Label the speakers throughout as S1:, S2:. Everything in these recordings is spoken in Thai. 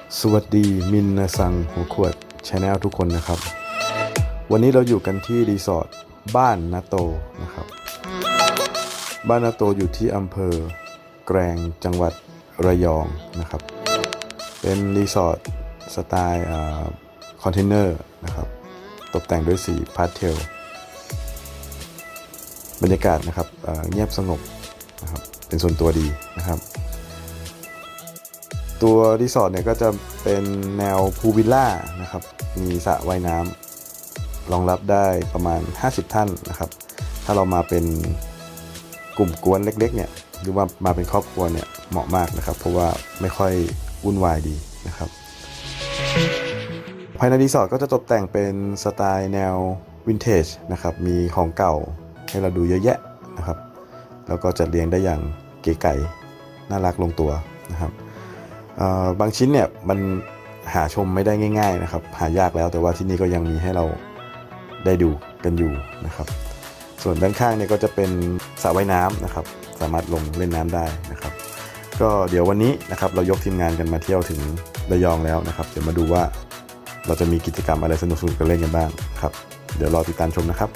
S1: สวัสดีมินนาซังหัวขวดชาแนลทุกคนนะครับ วันนี้เราอยู่กันที่รีสอร์ทบ้านนาโตนะครับบ้านนาโตอยู่ที่อำเภอแกลงจังหวัดระยองนะครับเป็นรีสอร์ทสไตล์คอนเทนเนอร์นะครับตกแต่งด้วยสีพาสเทลบรรยากาศนะครับเงียบสงบนะครับเป็นส่วนตัวดีนะครับตัวรีสอร์ทเนี่ยก็จะเป็นแนวพูลวิลล่านะครับมีสระว่ายน้ำรองรับได้ประมาณ50ท่านนะครับถ้าเรามาเป็นกลุ่มกวนเล็กๆเนี่ยหรือว่ามาเป็นครอบครัวเนี่ยเหมาะมากนะครับเพราะว่าไม่ค่อยวุ่นวายดีนะครับภายในรีสอร์ทก็จะตกแต่งเป็นสไตล์แนววินเทจนะครับมีของเก่าให้เราดูเยอะแยะนะครับแล้วก็จัดเรียงได้อย่างเก๋ไก๋น่ารักลงตัวนะครับบางชิ้นเนี่ยมันหาชมไม่ได้ง่ายๆนะครับหายากแล้วแต่ว่าที่นี่ก็ยังมีให้เราได้ดูกันอยู่นะครับส่วนด้านข้างเนี่ยก็จะเป็นสระว่ายน้ำนะครับสามารถลงเล่นน้ำได้นะครับก็เดี๋ยววันนี้นะครับเรายกทีมงานกันมาเที่ยวถึงระยองแล้วนะครับเดี๋ยวมาดูว่าเราจะมีกิจกรรมอะไรสนุกๆกันเล่นกันบ้างครับเดี๋ยวรอติดตามชมนะครับ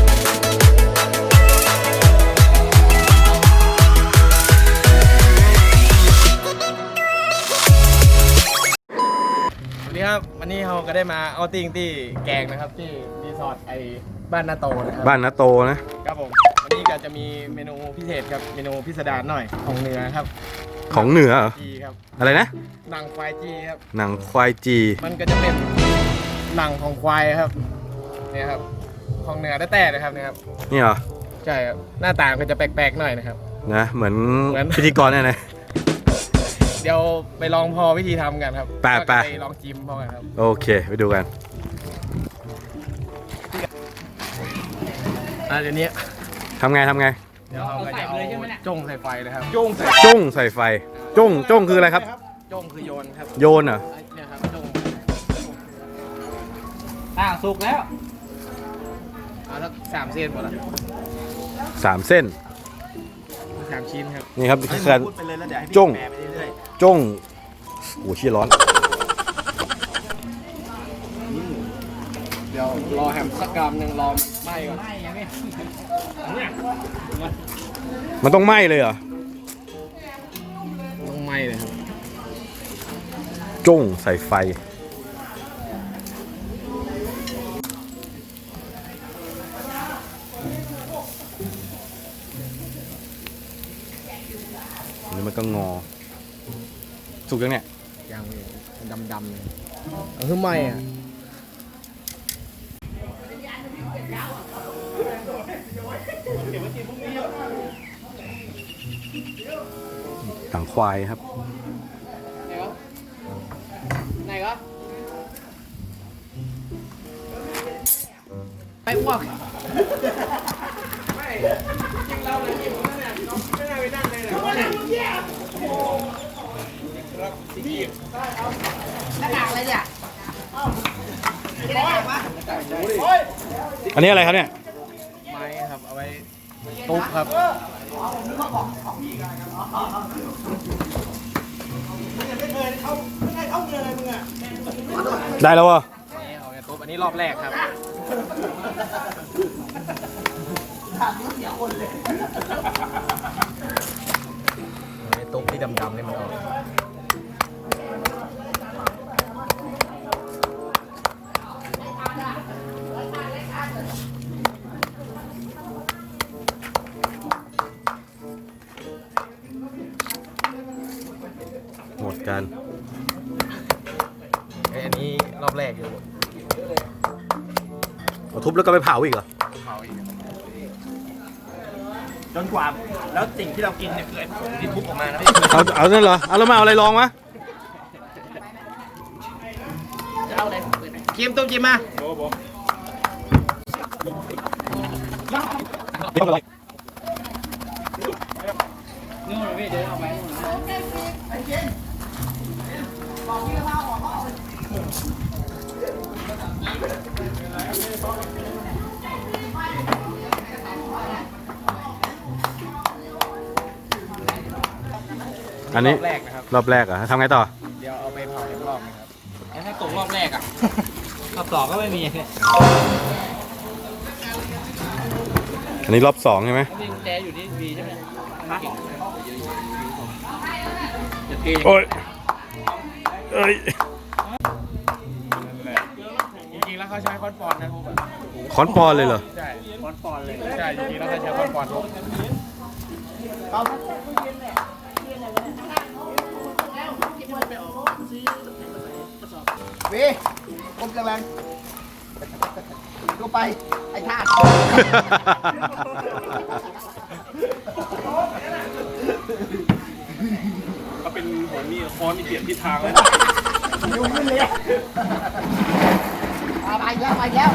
S2: ครับวันนี้เราก็ได้มาเอาติ้งที่แกงนะครับที่รีสอร์ทบ้านนาโตนะครับ
S1: บ้านนาโตนะครับ
S2: ผมวันนี้ก็จะมีเมนูพิเศษครับเมนูพิสดารหน่อยของเหนือครับ
S1: ของเหนือเหรอ
S2: จีครับ
S1: อะไรนะ
S2: หนังควายจีครับ
S1: หนังควายจี
S2: มันก็จะเป็นหนังของควายครับเนี่ยครับของเหนือแต่นะครับเนี่ยครับ
S1: นี่เหรอ
S2: ใช่ครับหน้าตาก็จะแปลกๆหน่อยนะครับ
S1: นะเหมือนพิธีกรเนี่ยนะ
S2: เดี๋ยวไปลองพอวิธีทำกันครับ
S1: ไป
S2: ลองจิ้มพอกันครับ
S1: โอเคไปดูกัน
S2: เดี๋ยวนี้
S1: ทำไง
S2: เดี๋ยวเราก็จะเอาจ้งใส่ไฟเลยครับ
S1: จ้งใส่ไฟจ้งคืออะไรครับ
S2: จ้งคือโยนครับ
S1: โยนเหรอ
S2: เนี่ยครับจ้ง
S3: สุกแล้ว
S2: เอาสัก3 เส้นหมดละ
S1: 3 เส้น
S2: 3 ชิ้นครับ
S1: นี่ครับคือการจ้งโอ้ชี้ร้อน
S2: เดี๋ยวรอแฮมสักกรัมหนึ่งรอไหม้ก่อน
S1: มันต้องไหม้เลยเหรอ
S2: ต้องไหม้เลยครับ
S1: จ้งใส่ไฟนี่มันก็งอสุกยังเนี่ย
S2: ยังดำเลยคือไหม้อ่ะ
S1: หนังควายครับ
S2: ไหนก็ไปอ้วกไม่จริงเราเลยกินเนี่ยไม่น่าไปนั่งเลยนะ
S3: หน้ากากอะไรเนี่ย
S1: อันนี้อะไรครับเนี่ย
S2: ไม้ครับเอาไว้ตุ๊บครับ
S1: ได้แล้ววะ
S2: เอาไว้ตุ๊บอันนี้รอบแรกครับตุ๊บที่ดำๆนี่มันออก
S1: หมดกัน
S2: อันนี้รอบแรกอยู่
S1: เอาทุบแล้วก็ไปเผาอีกเหรอ
S2: เผาอีก
S3: จนกว่าแล้วสิ่งที่เรากินเนี่ยคือที่ทุบออกมานะพี่
S1: เอานั่นเหรอเอาแล้วมาเอาอะไรลองวะ
S3: จะเอาอะไร
S2: จิ้มตุ้มจิ้มมา
S3: นู่นพี่เดินเอาไป
S1: อันนี้
S2: รอบแรกนะครับ
S1: รอบแรกเหรอทำไงต่อ
S2: เดี๋ยวเอาไปเผาอีกรอบ
S3: ให้ตกรอบแรกอ่ะรอบสองก็ไม่มี
S1: อันนี้รอบสองใช่ไหม
S3: มีกุญแจอยู่ที่วีใช่ไหมฮะจะเท
S1: โอ้ยเอ้ย
S2: จริงๆแล้วเขาใช้คอนปอนนะทุกคน
S1: คอนปอนเลยเหรอ
S2: ใช่คอนปอนเลยใช่จริงๆแล้วเขาใช้คอนปอนทุก
S4: วีผมกำลังก็ไป ไอ้ท่า
S3: เขาเป็นหัวนี่ค้อนนี่เปลี่ยนทิศทางเลย
S4: ยุ่งขึ้นเลยไปแล้วไปแล้ว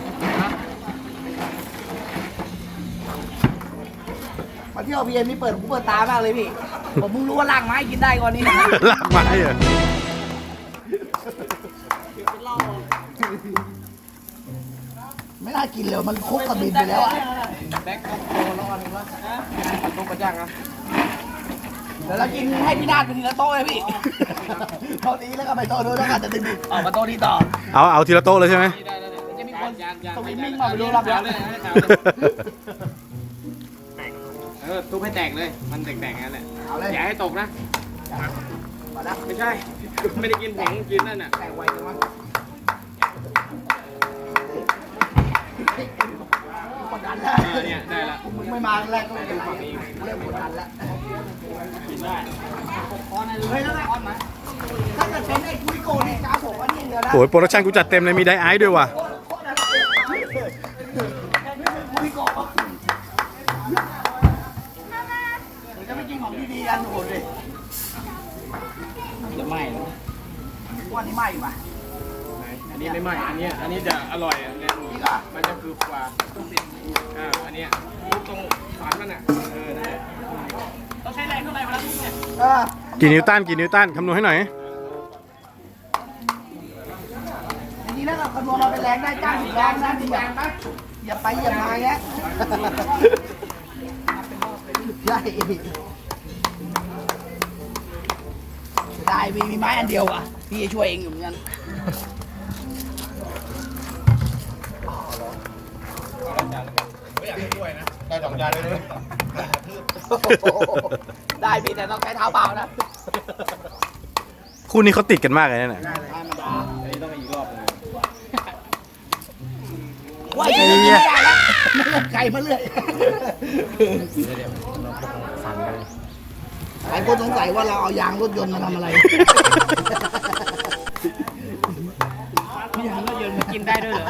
S4: มาเที่ยวพีเอ็มนี่เปิดหูเปิดตามากเลยพี่ ผมเพิ่งรู้ว่าล่างไม้กินได้ก่อนนี้
S1: ลากไม้เหรอ
S4: ไม่น่ากินเลยมันคุกกับบินไปแล้วอ่ะ
S2: แบ็คโตแล้วอันนึงวะตรงกระจ่างอ่ะ
S4: เดี๋ยวเรากินให้พี่นาดเป็นทีละโต๊ะเลยพี่โต๊ะนี้แล้วก็ไปโต๊ะนู้นแล้วก็จะดึงๆออกมาโต๊ะนี้ต่อ
S1: เอาทีละโต๊ะเลยใช่ไหม
S4: จะมีคนสวิมมิ่งมาไปดูรับแล้ว
S2: ทุบให้แตกเลย มันแตกๆงั้นแหละ
S4: เอาเลย
S2: อย่าให้ตกนะ
S4: มาแล้ว
S2: ไม่ใช่ ไม่ได้กินผงกินนั่นน่ะ
S4: แต่ไวจังวะกดดันแล้ว
S2: เนี่ยได้ละ
S4: มึงไม่มาแรกก็ไม่เป็นไรเริ่มกดดันแล้ว
S2: กินได้
S4: เฮ้ยแล้วไงถ้าเกิดเป็นไอ้คุยโกนี่กราฟผมว่านี่เดียวนะ
S1: โอ้ยโปรดักชั่นกูจัดเต็มเลยมีไดไอซ์ด้วยว่ะ
S4: คุยโกจะไม่กินของดีๆกันโหดเลย
S2: จะไหม้
S4: วันนี้ไหม้ป่ะ
S2: อันนี้ไม่ไหม้อันนี้จะอร่อยอันนี้
S4: นี่ก็
S2: มันจะคือกว่าอันเนี้ยทุบตรงฝันมันอ่ะนั่นแหละต้องใช้แรงเท่าไหร่เวลาทุบเนี่ย
S1: กี่นิวตันกี่นิวตันคำนวณให้หน่อย
S4: จริงๆแล้วคำนวณมาเป็นแรงได้จ้าง10 แรงนะจริงๆอย่าไปอย่ามาแยะใช่ได้มีไม้อันเดียวอ่ะพี่จะช่วยเองอยู่เหมือนกันได้พี่แต่ต้องใช้เท้าเปล่านะ
S1: คู่นี้เขาติดกันมากเลยนะเนี่ย
S2: อันนี้ต้องไปอีกรอบนึง
S4: ว่าจะไม่ได้แล้วไม่ลงไก่มาเรื่อยหลายคนสงสัยว่าเราเอายางรถยนต์มาทำอะไร
S2: ยางรถยนต์กินได้ด้วยเหรอ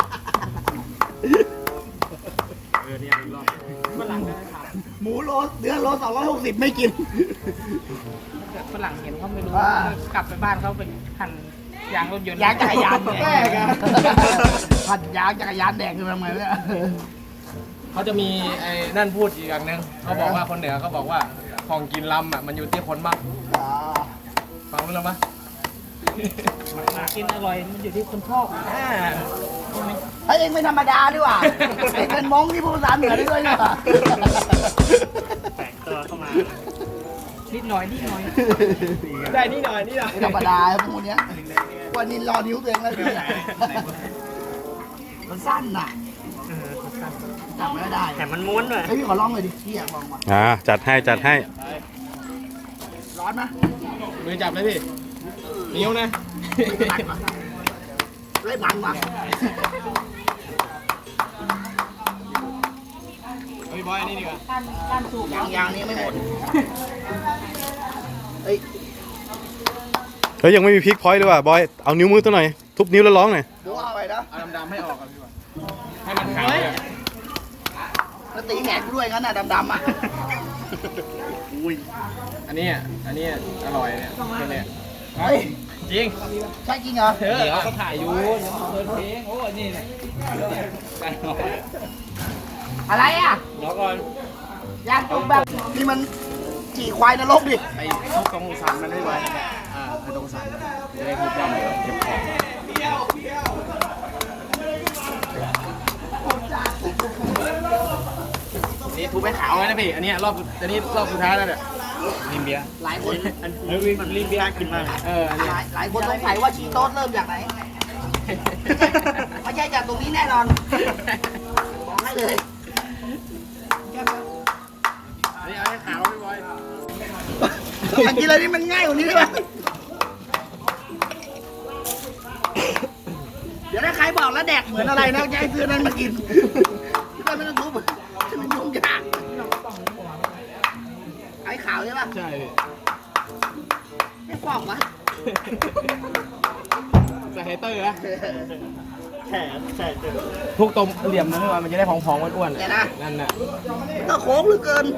S2: เนี่ยอีกรอบฝรั่งได้ถาม
S4: หมูโลเนื้อโล260ไม่กิน
S2: ฝรั่งเห็นเขาไม่รู้กลับไปบ้านเขาเป็นหั่นยางรถยนต์
S4: ยางจักรยานแดงผัดยางจักรยานแดงคือทำไงเนี่ย
S2: เขาจะมีไอ้นั่นพูดอีกอย่างหนึงเขาบอกว่าคนเหนือเขาบอกว่าของกินลำอ่ะมันอยู่ที่คนมากฟังรู้แล้วปะกินอร่อยมันอยู่ที่คนชอบ
S4: เฮ้ยเองไม่ธรรมดาด้วยว่ะเองเป็นมงที่พูดภาษาเหนือได้ด้วยเนี่ยว่ะ
S2: แตกตัวเข้ามานิดหน่อยได้นิดหน่อย
S4: ไม่ธรรมดาพวกเนี้ยวันนี้รอนิ้วตัวเองแล้วเนี่ยมันสั้นน่ะจับไม่ได้
S2: แต่มันม้วนเลย
S4: เฮ้ยพี่ขอลองเลยดิพี่อยากลองว่ะ
S1: จัดให้จัดให้
S4: ร้อนไหม
S2: มือจับเลยพี่นิ้วนะ
S4: เล่นมันว่ะ
S2: เฮ้ยบอยอันนี้ดีกว่า
S4: ยางนี้ไม่หมดเฮ้ย
S1: เฮ้ยยังไม่มีพลิกพอยต์เลยว่ะบอยเอานิ้วมือตัวหน่อยทุบนิ้วแล้วร้องหน่อย
S4: ดูเอาไปนะ
S2: เอาดำๆให้ออกกันพี่บอยให้มันขาวเลย
S4: แล้วตีแหงกด้วยงั้นน่ะดำๆอ่ะ
S2: อันนี้อร่อยเนี่ยเนี่ย
S4: เฮ้ย
S2: จริง
S4: ใช่จริงเหรอ
S2: เดี๋ยวเขาถ่ายอยู่เปิดเพลงโอ้นี่เนี่ย
S4: อะไรอ่ะ
S2: รอก่อน
S4: ยางจุกแบบนี่มันจี่ควายนรกดิ
S2: ไอ้ทุกตรงสันมันให้ไว้ไอ้ตรงสันจะได้ทุบได้เก็บของนี่ทุบให้ขาวเลยนะพี่อันนี้รอบสุดท้ายแล้วเนี่ยลิมเบีย
S4: หลายคน
S3: ลิมเบียร์กินมาก
S4: หลายคนสงสัยว่าชีโต๊ดเริ่มจากไหนไม่ใช่จากตรงนี้แน่นอนบอกให้เลย
S2: นี่เอาให้ขาวพี่บอย
S4: มันกินอะไรนี่มันง่ายกว่านี้ใช่ไหมเดี๋ยวถ้าใครบอกแล้วแดกเหมือนอะไรนะจะให้ซื้อนั้นมากินที่บ้านไม่ต้องทุบมันยุ่งยากไอ้ขาวใช่ป่ะ
S2: ใช่
S4: ไม่ฟอกวะ
S2: ใส่ไฮเตอร์นะ
S3: แฉะเจอ
S2: ทุกตรงเหลี่ยมนะพี่บอยมันจะได้พองๆอ้วน
S4: เดี๋ยวนะ
S2: ๆนั่นน่ะ
S4: ก็โค้งเหลือเกิน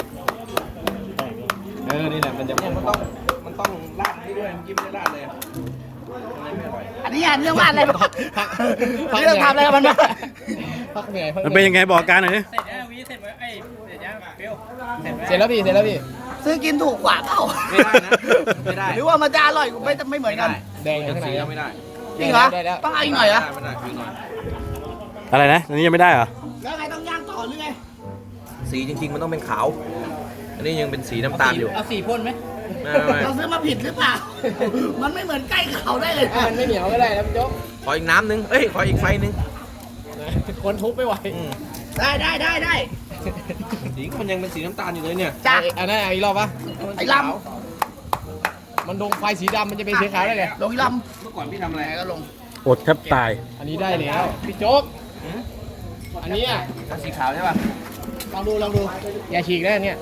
S2: นี่แหละมันจะมันต้องราดให้ด้วยยิ้มได้ราดเลย
S4: อันนี้เรื่องบ้านอะไรบ้างเรื่องทำอะไรกับมันบ้าง
S2: พักเหนื่อย
S1: มันเป็นยังไงบอกอาการหน่อยดิ
S2: เสร็จแล้ววีเสร็จไว้เสร็จยังเปรี้ยวเสร็จแล้วพี่
S4: ซื้อกินถูกกว่าเปล่า
S2: ไม่ได้นะไม่ได้
S4: หรือว่ามันจะอร่อยกว่าไม่เหมือนกัน
S2: แดงข้างในยังไม่ได้
S4: จริงเหรอต้องเอาอีกหน่อยเหรอ
S2: ไม่ได้อีกหน่อย
S1: อะไรนะอันนี้ยังไม่ได้เหรอ
S4: แล้วไงต้องย่างต่อหรือไง
S3: สีจริงๆมันต้องเป็นขาว อันนี้ยังเป็นสีน้ำตาลอยู่
S2: เอาสีพ่นไหม
S3: ไม่
S4: เราซื้อมาผิดหรือเปล่า มันไม่เหมือนใกล้เขาได้เลย
S2: มันไม่เหนียวก็ได้นะพี่โจ๊ก
S3: ขออีกน้ำนึง เอ้ย ขออีกไฟนึง
S2: คนทุบไม่ไหว
S4: ได้
S3: สีมันยังเป็นสีน้ำตาลอยู่เลยเนี่ย
S4: จ้ะ
S2: อันนั้นอีกรอบปะ
S4: ไอ้ล
S2: มันดงไฟสีดำมันจะเป็นสีขาวได้ไง
S4: ำลงอีล
S3: เมื่อก่อนพี่ทำอะไร
S4: ำก็ลง
S1: อดแทบตาย
S2: อันนี้ได้แล้วพี่โจ๊กอันนี้อ่ะ
S3: สีขาวใช่ป่ะ
S4: ลองดู
S2: อย่าฉีกได้เนี่ย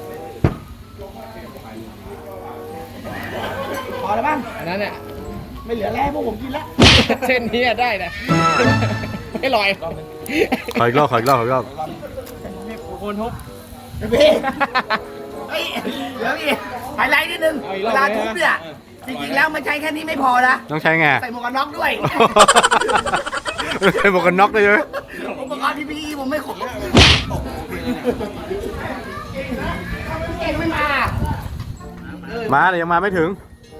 S4: พอแล้วบ้าง
S2: อันนั้นเนี่ย
S4: ไม่เหลือแล้วพวกผมกินแล้ว
S2: เส้นนี้ได้นะไม่ลอย
S1: ขออีกรอบ
S2: คนทุบ
S4: พี่เฮ้ยเดี๋ยวพี่ไฮไลท์นิดนึง
S2: เอาอีกร
S4: เว
S2: อบ
S4: ลา
S2: เลยนะ
S4: ทุบเนี่ย จริงๆแล้วมันใช้แค่นี้ไม่พอนะ
S1: ต้องใช้ไง
S4: ใส่หมวกกันน็อกด้วย
S1: ใช้หมวกกันน็อกด้วยใช่ไหม
S4: อุปกรณ์ PPE ผมไม่ครบเก่งไม่มา
S1: มาแต่ยังมาไม่ถึง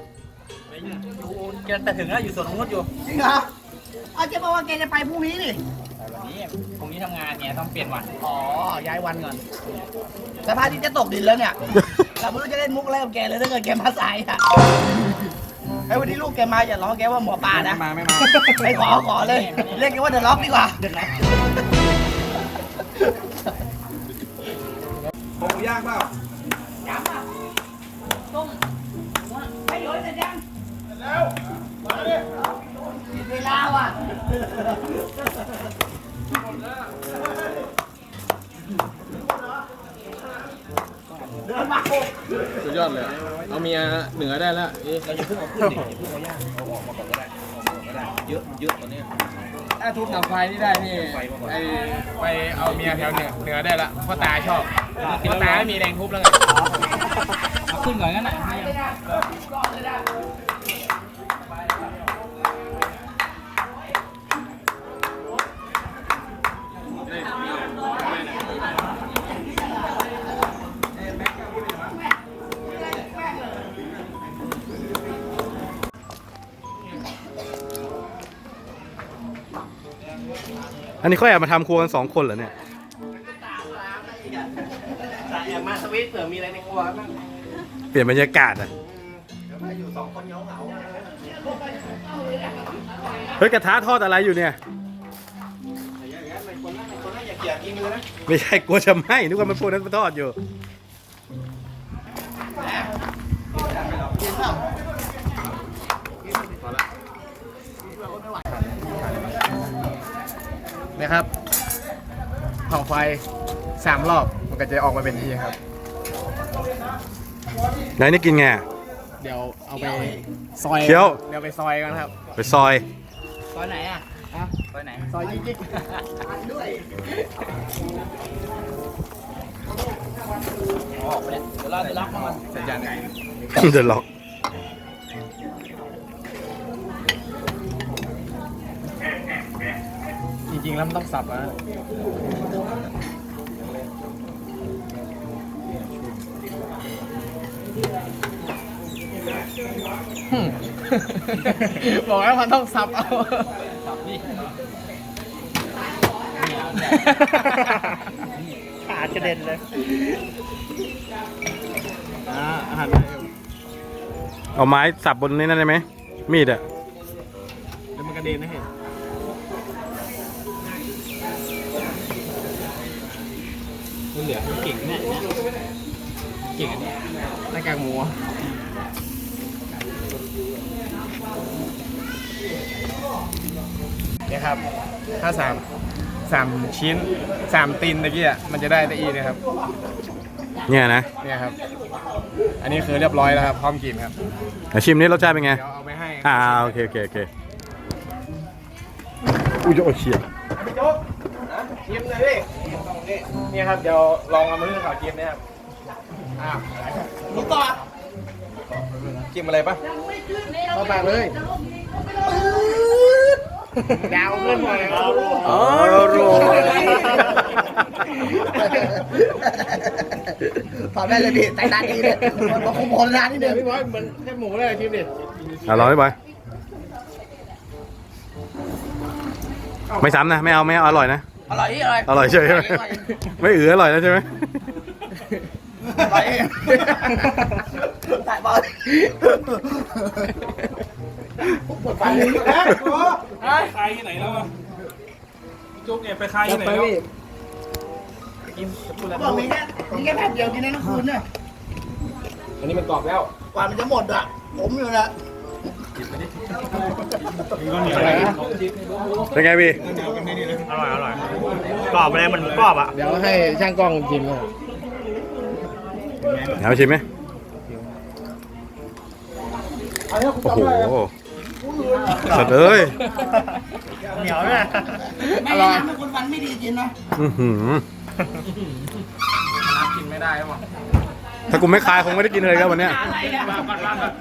S3: แต่ถึงแล้วอยู่สวนของนุชอยู่
S4: จริงเหรอเอาเจ๊บอกว่าแกจะไปพรุ่งนี้นี่
S3: พรุ่งนี้ทำงานเนี่ยต้องเปลี่ยนวัน
S4: อ๋อ ย้ายวันก่อนสภาพที่จะตกดินแล้วเนี่ย เราไม่รู้จะเล่นมุกอะไรกับแกเลยถ้าเกิดแกมาสายอ่ะไอ้วันนี้ลูกแกมาอย่าล้อแกว่าหมอปลานะ
S3: ไม่มา
S4: ไม่ขอเลย เรียกแกว่าเดอะล็อกดีกว่า
S3: ผมย่างเปล่า
S4: ย้ำอ่ะต้มให้โยนเสร็จยังแล้วมาดิเวลาว่ะ เดินมา
S2: สุดยอดเลย เอาเมียเหนือได้แล้ว
S3: เราอย่าเพิ่งเอาขึ้นดิอย่าเพิ่งเอาย่างเอาออกมาก่อนก็ได้เยอะตอนนี้
S2: ถ้าทุบหนังไฟนี่ได้นี่ไปเอาเมียแถวเหนือได้ละพ่อตาชอบพ่อตาไม่มีแรงทุบแล้วไงเอาขึ้นก่อนงั้นน่ะ
S1: อันนี้เขาแอบมาทำครัวกัน2 คนเหรอเนี่ย
S3: แอบมาสวิตเผื่อมีอะไรในครัวบ้าง
S1: เปลี่ยนบรรยากาศอ่ะเฮ้ยกระทะทอดอะไรอยู่เนี่ย
S3: อย่าเกลียดกินเลยนะ
S1: ไม่ใช่กลัวจะไหม้นึกว่ามันพวกนั้นมันทอดอยู่
S2: นะครับเผาไฟ3 รอบมันก็จะออกมาเป็นที่ครับ
S1: ไหนนี่กินไง
S2: เดี๋ยวเอาไปซอย
S1: เคี้ยว
S2: เดี๋ยวไปซอยกันครับ
S1: ไปซอย
S4: ตอนไหนอ่ะ
S3: ไปไหน
S2: ซอยจิ๊ก
S3: ออกไปเนี่ยเดี๋ยวเราจะรับมัน
S2: สัญญาณไหน
S1: เดอะล็อก
S2: จริงๆแล้วมันต้องสับนะบอกแล้วมันต้องสับเอา
S3: ขาดกระเด็นเลย
S2: อาหาร
S1: เอาไม้สับบนนี้นั่นได้ไหมมีดอะ
S2: เดี๋ยวมันกระเด็นนะเห็นมันเหลือเก่งเนี่ยเก่งอันนี้หน้ากากหมูเนี่ยครับถ้าสามชิ้น3ตีนตะกี้อ่ะมันจะได้ตะอีนะครับ
S1: เนี่ยนะ
S2: เนี่ยครับอันนี้คือเรียบร้อยแล้วครับพร้อมกินครับ
S1: ชิมนี้รสชาติเป็นไง
S2: เดี๋ยวเอาไปให้
S1: โอเคอุ้ยโอ้เฉียบ
S2: พี่โจ๊กชิมเลยพี่นี่ครับเดี๋ยวลองเอามือขอชิมนะครับรู้ต่อชิมอะไรปะเข้าปากเลยดาวขึ้นมาเลยครับ
S1: โร
S4: พอได้เลยพี่ใจตาดีเลยมันคงโผล่นานนิดนึง
S2: พี่บอยเหมือนแค่หมูเลยชิมดิ
S1: ลองให้ไปไม่ซ้ำนะไม่เอาอร่อยนะ
S4: อร่อยนี่อร่อย
S1: อร่อยใช่ไหมไม่อร่อยแล้วใช่ไหม
S4: อร่อยถ่ายบอลปวดฟันเลยนะ
S3: ใครที่ไหนแล้วอะจุกเนี่ยไปใครที่ไหนแล้ว
S4: บอกมีแค่แผ่นเดียวกินได้ทั้งคืนเนี่ย
S2: อันนี้มันกรอบแล้ว
S4: กว่ามันจะหมดอ่ะผมอยู่นะ
S1: เป็นไงพี่
S3: อร่อยกรอบอะไรมันกรอบอ่ะ
S2: เดี๋ยวให้ช่างกล้องชิมก่อน
S1: เอาไปชิมไหมโอ้โหสัตว์เอ้ย
S3: เหนียวเลย
S4: ไม่แนะนำให้คนฟันไม่ดีกินนะ
S1: อื้อหือ
S2: น้ำกินไม่ได้หรอ
S1: ถ้ากูไม่คายคงไม่ได้กินเลยครับวันเนี้ย
S4: อะไรเนี่ย
S2: มาก่อน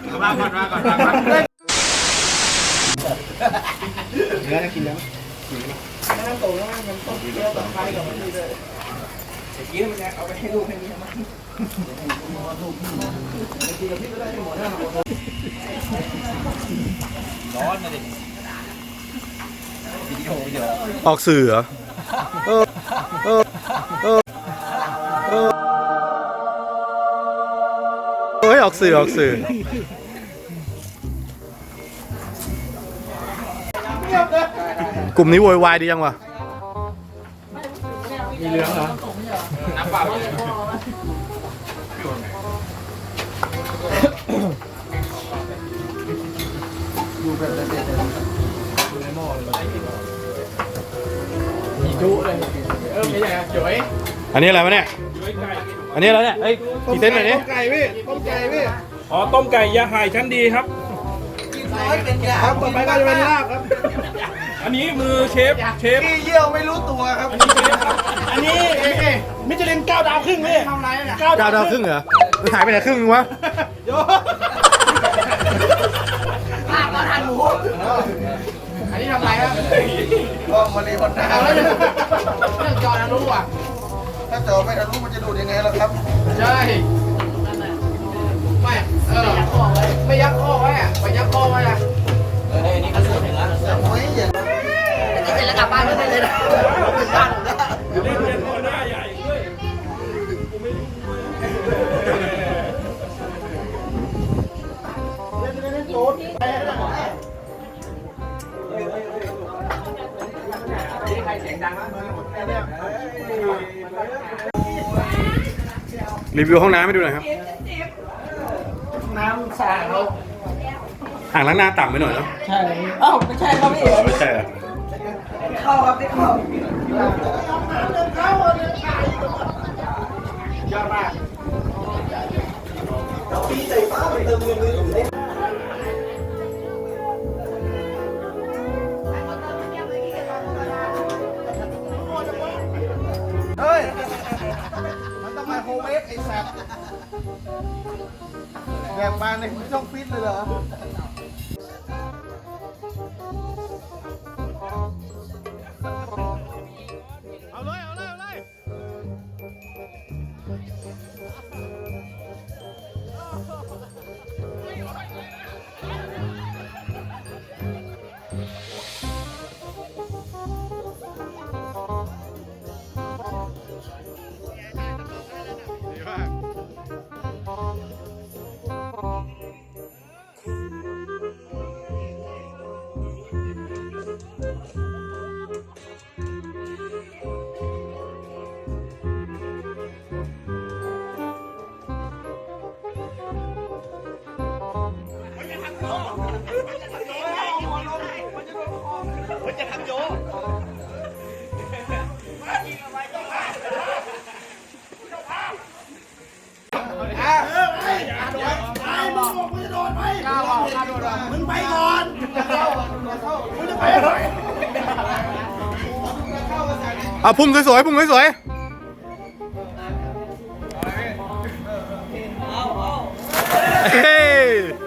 S2: เนื้อจะกินแล้ว
S4: น้ำโตแล้วมันต้มเยอะแบบไฟกับมันดีเลย
S2: เมื่อกี้มันจะเอาไปให้ลูกให้เมียมันร้อนนะดิวิดีโอเยอะ
S1: ออกสื่อเหรอเฮ้ยออกสื่อ กลุ่มนี้โวยวายดียังวะ
S2: มีเหลืองเหรอน้ำเปล่าอยู่แบบเด็ดๆอยู่ในหม้อเลยมีจุเลยไม่ใช่ครับจุ๋ย
S1: อันนี้อะไรวะเนี่ย อันนี้อะไรเนี่ยเฮ้ยกี่เซนหน่อยดิ
S2: ต้มไก่พี่ต้มไก่พี่
S3: อ๋อต้มไก่ยาหายชั้นดีครับ
S4: ร้อยเป็นยา
S2: ครับต่อไปก็จะเป็นลาบครับ
S3: อันนี้มือเชฟ
S2: ขี้เยี่ยวไม่รู้ตัวครับ
S3: อันนี้มิชลิน9 ดาวครึ่งพี่
S4: ทำไรเนี่ย
S1: ดาวครึ่งเหรอมันหายไปไหนครึ่งนึงวะ
S4: ลาบมาทานหมู
S2: อันนี้ทำไรครับ
S4: ก็มารีคนหน้า
S2: เรื่องจอนะรู้อ่ะ
S4: ถ้าเจอไม่ทะลุมันจะดูดยังไงล่ะครับ
S2: ใช่ไม่ไม่ยักข้อไว้อะไม่ยักข้อไว้อะ
S4: นี่ก็สุดแล้วโอ้ยเย็นเสร็จแล้วกลับบ้านไม่ได้เลยนะถึงบ้านแล้ว
S3: เล่นเป็นตัวหน้าใหญ่ด้วย
S1: รีวิวห้องน้ำให้ดูหน่อยครับ
S4: น้ำสาดเขา
S1: อ่างล้างหน้าต่ำไปหน่อยเนาะ
S4: ใช่เอ้าไม่ใช่ครับพี่
S1: ไม่ใช่เหรอ
S4: เข้าครับพี่เข้า
S2: ยอดมาก
S4: เฮ้ยมันต้องมาโฮเวฟไอ้สัตว์แบบมาในช่องฟิตเลยเหรอ
S1: ดีมาก
S4: มันจะทำโยมึงไปก่อนมึงจะไปไหน
S1: เอาพุ่งสวยๆพุ่งสวยๆเฮ้ย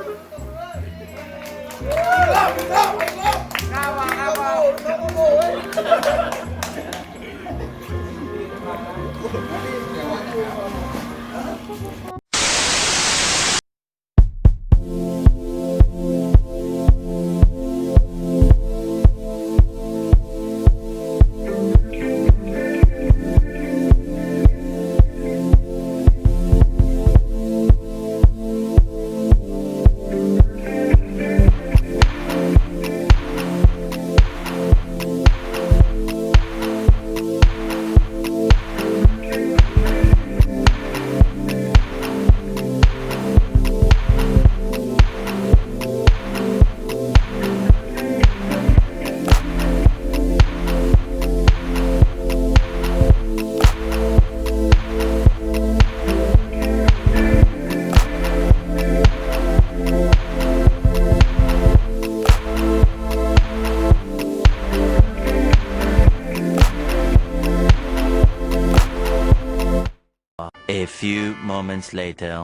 S5: A few moments later.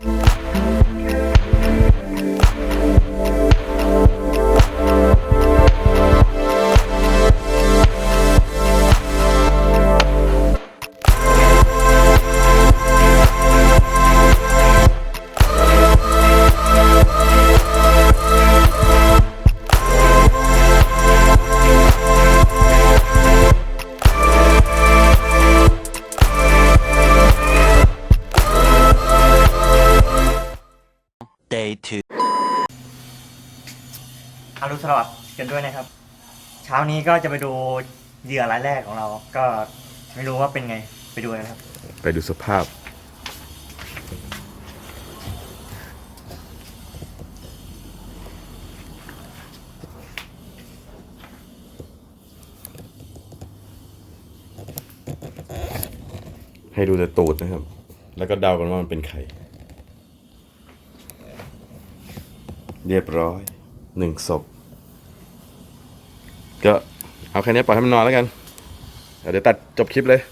S5: Day 2.
S6: อรุณสวัสดิ์กันด้วยนะครับ เช้านี้ก็จะไปดูเหยื่อรายแรกของเรา ก็ไม่รู้ว่าเป็นไงไปดูกันครับ
S1: ไปดูสภาพ ให้ดูแต่ตูดนะครับ แล้วก็เดากันว่ามันเป็นใคร เรียบร้อย1 ศพ ก็เอาแค่นี้ปล่อยให้มันนอนแล้วกัน เดี๋ยวตัดจบคลิปเลย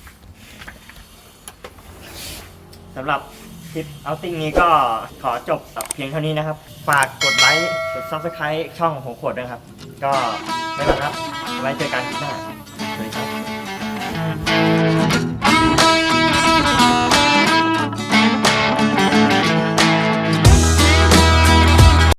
S6: สำหรับคลิปเอาติ้งนี้ก็ขอจบเพียงเท่านี้นะครับ ฝากกดไลค์ กด Subscribe ช่องของผมขวดด้วยครับ ก็ไม่เป็นไรครับ ไว้เจอกันคลิปหน้า